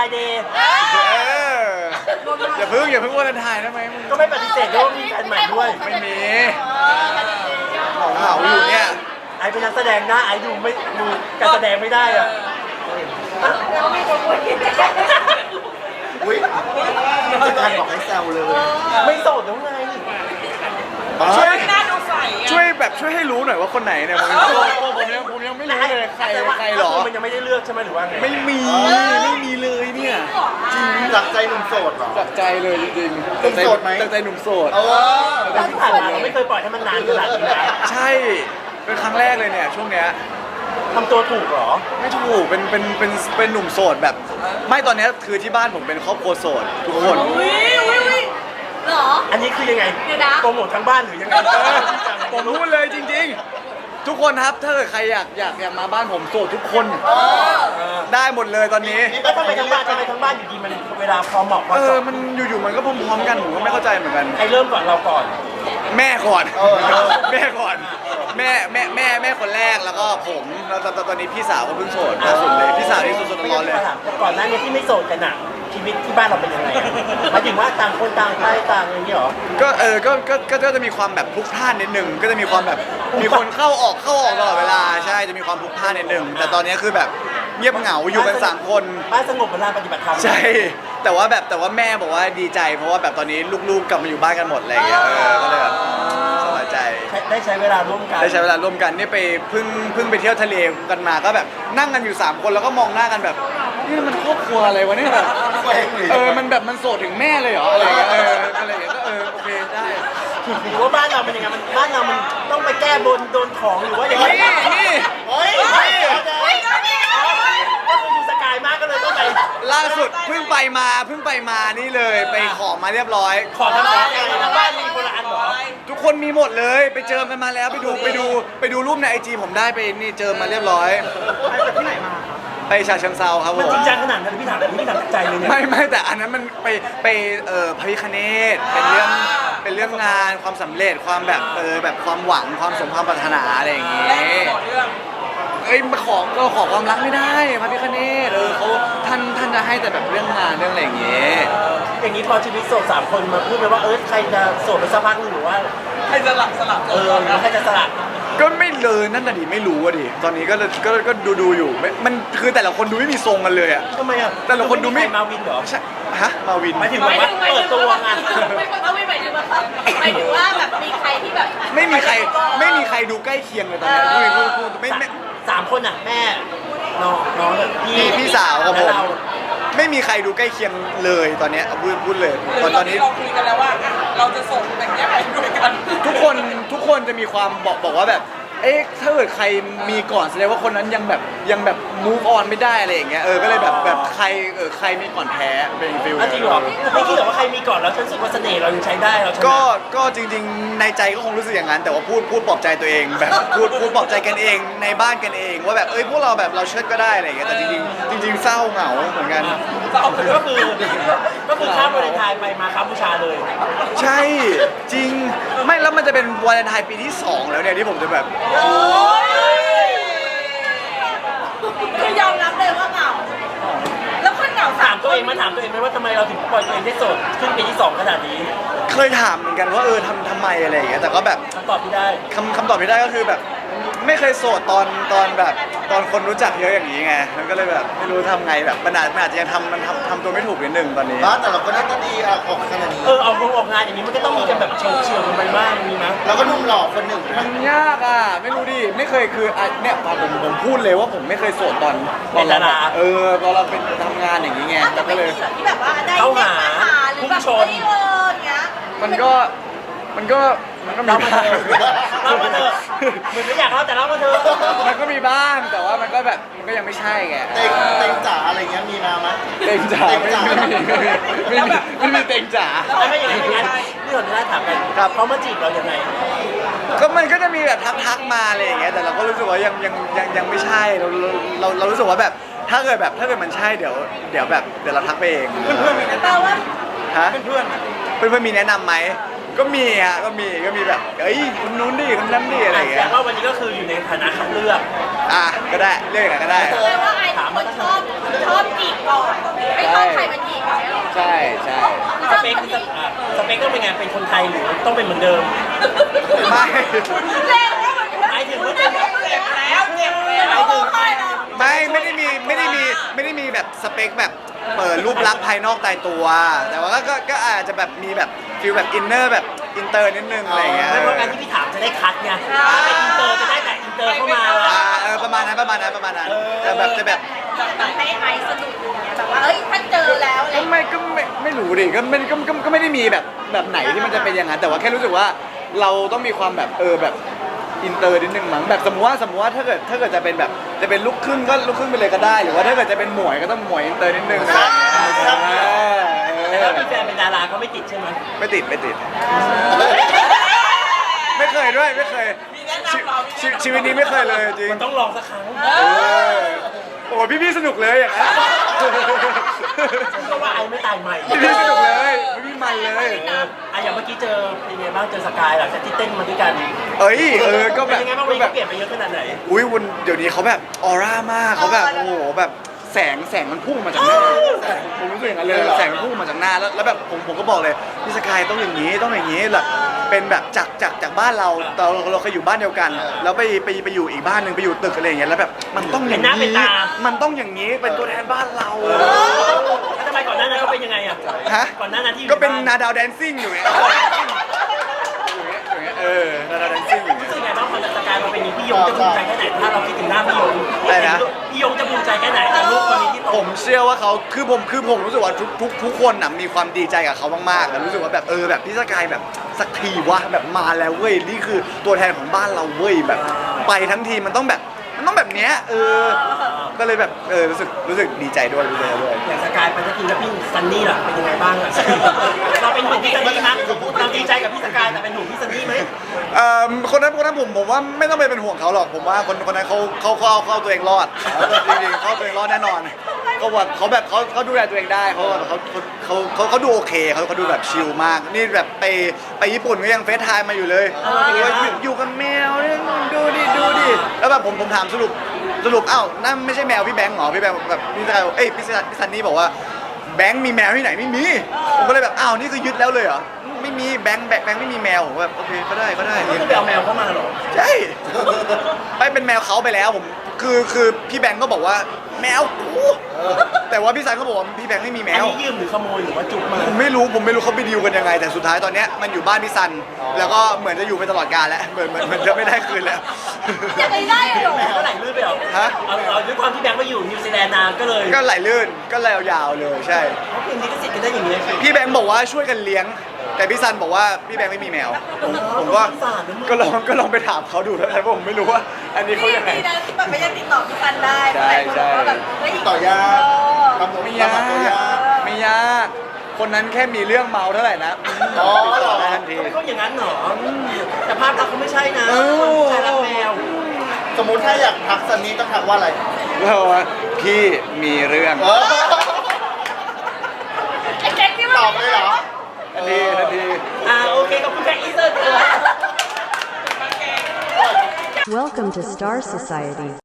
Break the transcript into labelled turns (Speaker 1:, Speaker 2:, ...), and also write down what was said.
Speaker 1: น์เดย์
Speaker 2: อย่าเพิ่งวาเลนไทน์ได้ไหมมึง
Speaker 1: ก็ไม่ปฏิเสธด้วยว่ามีแฟนใหม่ด้วย
Speaker 2: ไม่มีเหงาอยู่เนี่ย
Speaker 1: ไอเป็นนักแสดงหน้าไอดูไม่ดูการแสดงไม่ได้อะ
Speaker 3: อุ้ยไม่ทันบอกให้แซวเลย
Speaker 1: ไม่โสดแล้วไง
Speaker 2: ช่วย
Speaker 4: หน้าดูใส
Speaker 2: ช่วยให้รู้หน่อยว่าคนไหนเนี่ยผมยังไม่รู้เลยใครหรอ
Speaker 1: มันยังไม่ได้เลือกใช่ไหมหรือว่าไง
Speaker 2: ไม่มีเลยเนี่ย
Speaker 3: จริงจากใจหนุ่มโสดเหรอ
Speaker 2: จากใจเลยจริง
Speaker 3: หนุ่มโสดไหม
Speaker 2: จากใจหนุ่มโสด
Speaker 1: ตอนที่ผ่านมาเราไม่เคยปล่อยให้มันนานขนาดนี้นะ
Speaker 2: ใช่เป็นครั้งแรกเลยเนี่ยช่วงเนี้ย
Speaker 1: ทำตัวถูกเหรอ
Speaker 2: ไม่ถูกเป็นหนุ่มโสดแบบ ไม่ตอนเนี้ยคือที่บ้านผมเป็นครอบครัวโสดทุกคน
Speaker 4: วิเหรอ
Speaker 1: อันนี้คือยังไง
Speaker 4: เดี๋ยวนะ
Speaker 1: โปรโมททั้งบ้านหรือยังไง
Speaker 2: ผมพูดเลยจริงๆ ทุกคนครับถ้าเกิดใครอยากมาบ้านผมโสดทุกคนได้หมดเลยตอนนี้
Speaker 1: แล้วทำไมทั้งบ้านอยู่ดีมันเวลาพอเหมาะพอเจาะ
Speaker 2: มันอยู่ๆมันก็พร้อมๆกันผมก็ไม่เข้าใจเหมือนกัน
Speaker 1: ใครเริ่มก่อนเราก่อน
Speaker 2: แม่ก่อนแม่ก่อนแม่คนแรกแล้วก็ผมแล้วตอนนี้พี่สาวก็เพิ่งโสดล่าสุดเลยพี่สาวที่สดๆร้อนๆเลย
Speaker 1: ก่อนหน้านี้ที่ไม่โสดกันอะชีวิตที่บ้านเราเป็นยังไงหมายถึงว่าต่างคนต่างไปต่างอะไรอย่างเงี้ยเหรอ
Speaker 2: ก็จะมีความแบบพลุกพล่านนิดนึงก็จะมีความแบบมีคนเข้าออกตลอดเวลาใช่จะมีความพลุกพล่านนิดนึงแต่ตอนนี้คือแบบเงียบเหงาอยู่กัน3 คน
Speaker 1: บ้านสงบเวลาปฏิบัติธรรม
Speaker 2: ใช่แต่ว่าแม่บอกว่าดีใจเพราะว่าแบบตอนนี้ลูกๆกลับมาอยู่บ้านกันหมดอะไรอย่างเงี้ยก็เลยแบบสบายใจ
Speaker 1: ได้ใช้เวลาร่วมกัน
Speaker 2: ได้ใช้เวลาร่วมกันนี่ไปเพิ่งไปเที่ยวทะเลกันมาก็แบบนั่งกันอยู่3 คนแล้วก็มองหน้ากันแบบนี่มันครอบครัวอะไรวะเนี่ยแบบมันแบบมันโสดถึงแม่เลยเหรออะไรอย่างเงี้ยอะไรอย่างเงี้ยก็โอเคได้
Speaker 1: หรือว่าบ้านเราเป็นยังไงบ้านเรามันต้องไปแก้บนโดนของหรือว่าอย่างไร
Speaker 2: นี่
Speaker 1: เฮ้ยก็คือดูสกายมากก็เลยต้องไป
Speaker 2: ล่าสุดเพิ่งไปมานี่เลยไปขอมาเรียบร้อย
Speaker 1: ขอทั้งบ้านทั้งบ้านมีคนละอันเหรอ
Speaker 2: ทุกคนมีหมดเลยไปเจอกันมาแล้วไปดูรูปในIG ผมได้ไปนี่เจอมาเรียบร้อย
Speaker 1: ไปจากที่ไหนมา
Speaker 2: ไปฉะเชิงเซาครับผ
Speaker 1: มัน
Speaker 2: ม
Speaker 1: จริงจังขนาดนั้นพี่ถามจากใจเลยเนี่ย
Speaker 2: ไม่แต่อันนั้นมันไปพระพิฆเนศเป็นเรื่องงานความสำเร็จความแบบแบบความหวังความสมความปรารถนาอะไรอย่างเงี้ยมาขอความรักไม่ได้พระพิฆเนศเขาท่านจะให้แต่แบบเรื่องงานเรื่องอะไรอย่างเงี้ย
Speaker 1: อย่างนี้พอชีวิตโสด3 คนมาพูดไปว่าใครจะโสดไปสักพักหรือว่า
Speaker 4: ให้สลับ
Speaker 1: แล้วใครจะสลับ
Speaker 2: ก็ไม่เลยนั่นน่ะดิไม่รู้อะดิตอนนี้ก็ดูอยู่มันคือแต่ละคนดูไม่มีทรงกันเลยอะ
Speaker 1: ทำไมอ่ะ
Speaker 2: แต่ละคนดูไม่
Speaker 1: มาวินเหรอ
Speaker 2: ใช่ฮะมาวิน
Speaker 1: หมายถึงแบบว่าเปิดตัวไง
Speaker 4: ไม่หมายถึงว่าแบบมีใครที่แบบ
Speaker 2: ไม่มีใครดูใกล้เคียงเลยตอนนี้พูดไม่
Speaker 1: 3 คนอ่ะแม่น้องแบบ
Speaker 2: พี่สาวกับผม
Speaker 1: และเรา
Speaker 2: ไม่มีใครดูใกล้เคียงเลยตอนนี้พูดเลยตอนนี้
Speaker 4: เราคุยกันแล้วว่าเราจะส่งแต่งแยกไปด้วยกัน
Speaker 2: ทุกคนจะมีความบอกว่าแบบถ้าเกิดใครมีก่อนแสดงว่าคนนั้นยังแบบ move on ไม่ได้อะไรอย่างเงี้ยก็เลยแบบใครมีก่อนแพ้เป็นฟิล
Speaker 1: จริงเหรอไม่คิดหรอว่าใครมีก่อนแล้วฉันรู้สึกว่าเสน่ห์เรายังใช้ได้เราชนะ
Speaker 2: ก็จริงๆในใจก็คงรู้สึกอย่างนั้นแต่ว่าพูดปลอบใจตัวเองแบบพูดปลอบใจกันเองในบ้านกันเองว่าแบบพวกเราแบบเราเชิดก็ได้อะไรอย่างเงี้ยแต่จริงๆเศร้าเหงาเหมือนกัน
Speaker 1: ก็คือข้ามวาเลนไทน์ไปมาครับบูชาเลย
Speaker 2: ใช่จริงไม่แล้วมันจะเป็นวาเลนไทน์ปีที่2แล้วเนี่ยที่ผมจะแบบ
Speaker 4: คือยอมรับเลยว่าเหงาแล้วคนเหงา
Speaker 1: ถามตัวเองไหมว่าทำไมเราถึงปล่อยตัวเองได้โสดขึ้นปีที่2ขนาดนี้
Speaker 2: เคยถามเหมือนกันว่าทำไมอะไรอย่างเงี้ยแต่ก็แบบ
Speaker 1: คำตอบที่ได้
Speaker 2: คำตอบที่ได้ก็คือแบบไม่เคยโสดตอนแบบตอนคนรู้จักเยอะอย่างนี้ไงมันก็เลยแบบไม่รู้ทำไงแบบมันอาจจะยังทำตัวไม่ถูกนิดนึงตอนนี้
Speaker 3: บ้านแต่เราก็น่าจะดีออกขนาดนี้
Speaker 1: ออกงานอย่างนี้มันก็ต้องมีกันแบบเฉียวกันไปบ้างมีนะ
Speaker 3: แล้วก็หนุ่มหล่อคนหนึ่ง
Speaker 2: มันยากอ่ะไม่รู้ดิไม่เคยคือเนี่ยผมพูดเลยว่าผมไม่เคยโสดตอนเราเป็นทำงานอย่างนี้ไง
Speaker 4: แต่
Speaker 2: แล้ว
Speaker 4: ไม่
Speaker 2: ก็เลย
Speaker 4: มีแบบที่แบบว่าได้เด็กมาหาหรือแบบไม่เงี้ย
Speaker 2: มันก็มี
Speaker 1: เล่ามา
Speaker 2: บ้า
Speaker 1: เถ
Speaker 2: ง
Speaker 1: อะเล่ามาเถอะเหมือนไม่อยากเล่าแต่เล่ามาเถอะ
Speaker 2: มันก็มีบ้างแต่ว่ามันก็แบบมันก็ยังไม่ใช่ไง
Speaker 3: เต็งจ๋าอะไรเงี้ยมีมาไหม
Speaker 2: เต็งจ๋าไม่มีเต็งจ๋า
Speaker 1: แล้วไม่อย่างไรงั้นพี่คนที่ได้ถามกันเขามาจีบเราอย่างไร
Speaker 2: ก็มันก็จะมีแบบทักมาอะไรอย่างเงี้ยแต่เราก็รู้สึกว่ายังไม่ใช่เรารู้สึกว่าแบบถ้าเกิดมันใช่เดี๋ยวเราทักไปเอง
Speaker 1: เพื่อนๆมีแนะ
Speaker 4: แปล
Speaker 1: นำ
Speaker 4: ว่า
Speaker 2: ฮะ
Speaker 1: เพื่อน
Speaker 2: เพื่อนมีแนะนำไหมก็มีฮะก็มีแบบคนนู้นดิคนนั้นดิอะไรอย่าง
Speaker 1: แต่
Speaker 2: เงี้ย
Speaker 1: ว่าวันนี้ก็คืออยู่ในฐานะคัดเลือก
Speaker 2: ก็ได้เรียกอย่างนั้นก็ได้
Speaker 4: แปลว่าไอ้คนชอบจีบก่อนไม่ต้อง
Speaker 1: เปคสเปคต้องเป็นไงเป็นคนไทยหรือต้องเป็นเหมือนเดิม
Speaker 2: ไม่
Speaker 4: เร็วแล้วมัน
Speaker 1: หมายถึงว่าเป็น
Speaker 4: เจ็บแล้วร้องไห้แล้ว
Speaker 2: ไม่ได้มีแบบสเปคแบบรูปลักษณ์ภายนอกตายตัว แต่ว่าก็อาจจะแบบมีแบบฟิลแบบอินเนอร์แบบอินเตอร์นิดนึงอะไรอย่างเงี้ย
Speaker 1: ไม่เพราะการที่พี่ถามจะได้คัดไงถ้าเป็นอินเตอร์จะได้แต่อินเตอร์เข้ามา
Speaker 2: ประมาณนั้นแต่แบบจะแบบ
Speaker 4: แบบให้ไอซ์สนุกอย่างเงี้ยแบบว่าเอ้ยถ้าเจอแล้วอะไร
Speaker 2: ไม่รู้ดิก็ไม่ได้มีแบบไหนที่มันจะเป็นอย่างนั้นแต่ว่าแค่รู้สึกว่าเราต้องมีความแบบแบบอินเตอร์นิดนึงมั้งแบบสมมติว่าถ้าเกิดจะเป็นแบบจะเป็นลูกครึ่งก็ลูกครึ่งไปเลยก็ได้ หรือว่าถ้าเกิดจะเป็นหมวยก็ต้องหมวยอินเตอร์นิดนึง
Speaker 1: แต่ถ้ามีแฟนเป็นดาราก็ไม่ติดใช่ไหม
Speaker 2: ไม่ติดไม่เคยด้วยไม่เคยชีวิตนี้ไม่เคยเลยจริง
Speaker 1: มันต้องลองสักครั้ง
Speaker 2: โอ้พี่สนุกเลยอย่างนั้น
Speaker 1: เพราะว่าไอ้ไม่ตายใหม่
Speaker 2: พี่สนุกเลยพี่มันเลย
Speaker 1: อย่างเมื่อกี้เจอเป็นไงบ้างเจอสกายหลังจากที่เต้นมาด้วยกัน
Speaker 2: ก็
Speaker 1: เป็
Speaker 2: แบ
Speaker 1: น
Speaker 2: บ
Speaker 1: ยังไงบ้างวันนี้เขาเปลี่ยนไปเยอะขนาดไหน
Speaker 2: อุ้ยวันเดี๋ยวนี้เขาแบบออร่ามากเขาแบบโอ้โหแบบแสงมันพุ่งมาจากหน้าผมรู้สึกอย่างนั้นเลยแสงมันพุ่งมาจากหน้าแล้วแบบผมก็บอกเลยพี่สกายต้องอย่างนี้แบบเป็นแบบจากบ้านเราเคยอยู่บ้านเดียวกันแล้วไปอยู่อีกบ้านหนึ่งไปอยู่ตึกอะไรอย่างเงี้ยแล้วแบบมันต้องอย่างนี้มันต้องอย่างนี้เป็นตัวแทนบ้านเรา
Speaker 1: แล้วทำไมก่อนหน้านั้นเขาเป็นยังไงอ่ะ
Speaker 2: ฮะ
Speaker 1: ก่อนหน้านั้นที่อยู่
Speaker 2: ก็เป็น
Speaker 1: บ้
Speaker 2: นาดาวแดนซิ่งอยู่เนี่ยนาดาวแดนซิ่งอยู่
Speaker 1: รู้สึกไงบ้างพอสกายมาเป็นนี้พี่ยงจะภูมิใจแค่ไหนถ้าเราคิดถึงหน้าพี่ยง
Speaker 2: อะไรนะ
Speaker 1: พี่ยงจะภูมิใจแค่ไหนแต่ลูกคนนี้ที่โต
Speaker 2: ผมเชื่อว่าเขาคือผมรู้สึกว่าทุกคนน่ะมีความดีใจกับเขามากๆแล้วรู้สึกว่าแบบแบบพี่สกายแบบสักทีวะแบบมาแล้วเว้ยนี่คือตัวแทนของบ้านเราเว้ยแบบไปทั้งทีมันต้องแบบเนี้ยก็เลยแบบรู้สึกดีใจด้วย
Speaker 1: อย่างสกายไปสักทีแล้วพี่ซันนี่ล่ะเป็นยังไงบ้างอ่ะเราเป็นห่วงพี่ซันนี่มั้ยเราดีใจกับพี่สกายแต่เป็นห่วงพี่ซันนี่ไหม
Speaker 2: คนนั้นผมว่าไม่ต้องไปเป็นห่วงเขาหรอกผมว่าคนนั้นเขาเอาตัวเองรอดจริงๆเขาตัวเองรอดแน่นอนเขาแบบเขาดูแลตัวเองได้เขาดูโอเคเขาดูแบบชิลมากนี่แบบไปญี่ปุ่นก็ยังเฟซไทม์มาอยู่เลยอยู่กับแมวดูดิแล้วแบบผมถามสรุปอ้าวนั่นไม่ใช่แมวพี่แบงค์เหรอพี่แบงค์แบบพี่ซันนี่บอกว่าแบงค์มีแมวที่ไหนไม่มีผมก็เลยแบบอ้าวนี่คือยึดแล้วเลยเหรอไม่มีแบงค์ไม่มีแมวผมแบบโอเคก็ได้
Speaker 1: ก็คือไปเอาแมวเข้ามาเหรอ
Speaker 2: ใช่ไม่เป็นแมวเขาไปแล้วผมคือพี่แบงค์ก็บอกว่าแมวกูแต่ว่าพี่ซันก็บอกว่าพี่แบงค์ไม่มีแม
Speaker 1: อัน
Speaker 2: ว
Speaker 1: นี้ยืมหรือขโมยหรือว่าจุกมา
Speaker 2: ผมไม่รู้เขาไปดีลกันยังไง แต่สุดท้ายตอนเนี้ยมันอยู่บ้านพี่ซันแล้วก็เหมือนจะอยู่ไปตลอดกาลแล้วเหมือนจะไม่ได้คืนแล้ว
Speaker 4: จะไปได้เหรอ
Speaker 1: แบงค์ก็ไหลลื่นไปเหรอ
Speaker 2: ฮะ
Speaker 1: เอาด้วยความที่แบงค์มาอยู่นิวซีแลนด์นานก็เลย
Speaker 2: ก็ไหลลื่นก็เลยยาวๆเลยใช่
Speaker 1: เขาเป็นลิขสิทธิ์กันได้อย่างนี้
Speaker 2: พี่แบงค์บอกว่าช่วยกันเลี้ยง แต่พี่ซันบอกว่าพี่แบงค์ไม่มีแมวผมก็ลองไปถามเขาดูแล้วกันเพราะผมไม่รู้ว่า อันนี้เขายังไง
Speaker 4: ดีนะที่แบบไม่ได้ติดต่อพี่ซันได้
Speaker 2: ใช่ใช่
Speaker 4: แบบเฮ้ย
Speaker 3: ต่อยากทำตัว
Speaker 2: ไม่ยากไม่ยากคนนั้นแค่มีเรื่องเมาเท่าไหร่นะติดต่อได้ทันที
Speaker 1: เขาอย่างนั้นเหรอแต่ภาพลักษณ์เขาไม่ใช่นะใช่รักแมว
Speaker 3: สมมุติถ้าอยากทักซันนี่ต้องทักว่าอะไร
Speaker 2: แล้วว่าพี่มีเรื่อง
Speaker 4: ไอ้แจ็คนี่มัน
Speaker 3: ตอบเลยเหรอ
Speaker 2: ทันที
Speaker 1: โอเคขอบคุณแค่อีเซอร์
Speaker 5: Welcome to Star Society.